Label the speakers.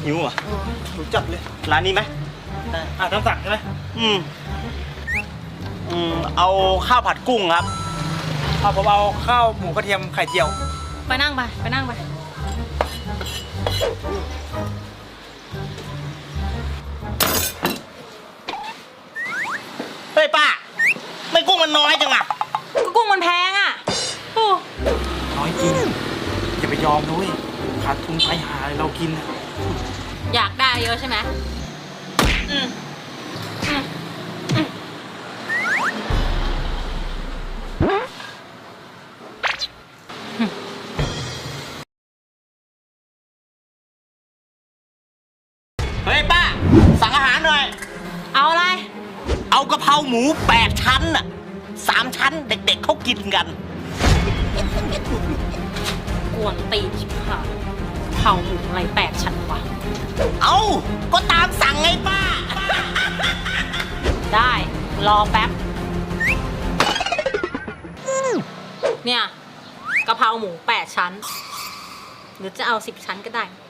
Speaker 1: หิวอ่ะ
Speaker 2: รู้จักเลย
Speaker 1: ร้านนี้ไหม
Speaker 2: ได้ตามสั่งใช่ไหม
Speaker 1: เอาข้าวผัดกุ้งครับ
Speaker 2: ผมเอาข้าวหมูกระเทียมไข่เจียว
Speaker 3: ไปนั่งไปไปนั่งไป
Speaker 1: เฮ้ยป้า ไม่กุ้งมันน้อยจังอ่ะ
Speaker 3: ก็กุ้งมันแพงอ่ะโอ้
Speaker 2: น้อยจริงอย่าไปยอมนะเว้ยขาดทุนไปหาเรากินอะ
Speaker 3: อยากได้เยอะใช่ไหมอืมอืมอืม
Speaker 1: เฮ้ยป้า สั่งอาหารหน่อย
Speaker 3: เอาอะไร
Speaker 1: เอากะเพราหมู8 ชั้นอ่ะ3 ชั้นเด็กๆเขากินกัน
Speaker 3: กวนตีนชิบหายเผาหมูอะไร8 ชั้นวะ
Speaker 1: เอาก็ตามสั่งไงป้า
Speaker 3: ได้รอแป๊บ เนี่ยกะเพราหมู8 ชั้น หรือจะเอา10 ชั้นก็ได้